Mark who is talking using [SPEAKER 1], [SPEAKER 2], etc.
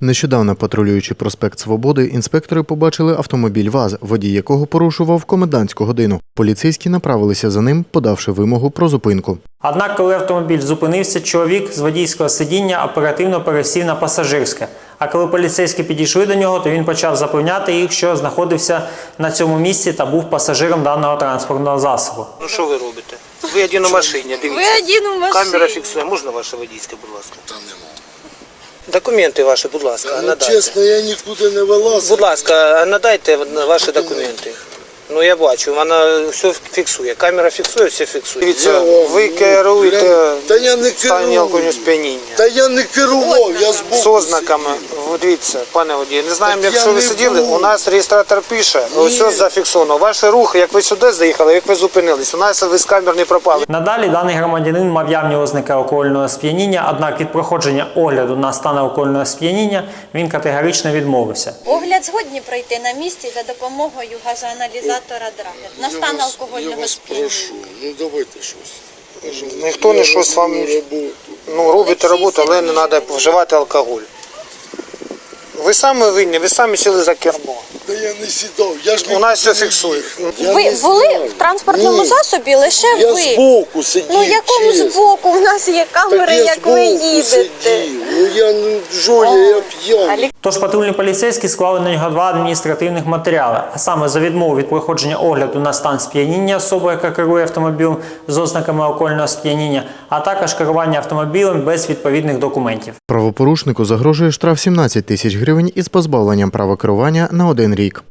[SPEAKER 1] Нещодавно, патрулюючи проспект Свободи, інспектори побачили автомобіль ВАЗ, водій якого порушував комендантську годину. Поліцейські направилися за ним, подавши вимогу про зупинку.
[SPEAKER 2] Однак, коли автомобіль зупинився, чоловік з водійського сидіння оперативно пересів на пасажирське. А коли поліцейські підійшли до нього, то він почав запевняти їх, що знаходився на цьому місці та був пасажиром даного транспортного засобу.
[SPEAKER 3] Ну що ви робите? Ви один у машині, дивіться.
[SPEAKER 4] Ви один у машині.
[SPEAKER 3] Камера фіксує. Можна ваше водійське, будь ласка? Там немає. Документи ваші, будь ласка, надайте.
[SPEAKER 5] Чесно, я нікуди не вилазив.
[SPEAKER 3] Будь ласка, надайте ваші документи. Ну я бачу, вона все фіксує. Камера фіксує, все фіксує. Дивіться, ви керуєте в стані алкогольного сп'яніння.
[SPEAKER 5] Та я не керував, я збоку.
[SPEAKER 3] З ознаками. Дивіться, пане водій, не знаємо, якщо ви сиділи, у нас реєстратор пише, все зафіксовано. Ваш рух, як ви сюди заїхали, як ви зупинились, у нас ви з камер не пропали.
[SPEAKER 2] Надалі даний громадянин мав явні ознаки алкогольного сп'яніння, однак від проходження огляду на стан алкогольного сп'яніння він категорично відмовився.
[SPEAKER 4] Огляд згодні пройти на місці за допомогою газоаналізатора Драгер на стан алкогольного сп'яніння.
[SPEAKER 5] Ну давайте щось.
[SPEAKER 3] Ніхто не щось вам робите роботу, але не треба вживати алкоголь. Ви самі винні, ви самі сіли за кермо.
[SPEAKER 5] Та я не сідав, я ж
[SPEAKER 3] У нас все фіксує.
[SPEAKER 4] Ви були в транспортному засобі лише
[SPEAKER 5] Я
[SPEAKER 4] ви.
[SPEAKER 5] збоку сидів.
[SPEAKER 4] Ну якому
[SPEAKER 5] чесно.
[SPEAKER 4] збоку? У нас є камери,
[SPEAKER 5] Так я
[SPEAKER 4] як ви
[SPEAKER 5] збоку
[SPEAKER 4] їдете.
[SPEAKER 5] сидів. Ну я не жоя, я п'яний.
[SPEAKER 2] Тож патрульні поліцейські склали на нього 2 адміністративних матеріали, а саме за відмову від проходження огляду на стан сп'яніння особи, яка керує автомобілем з ознаками алкогольного сп'яніння, а також керування автомобілем без відповідних документів.
[SPEAKER 1] Правопорушнику загрожує штраф 17 тисяч гривень із позбавленням права керування на 1 рік.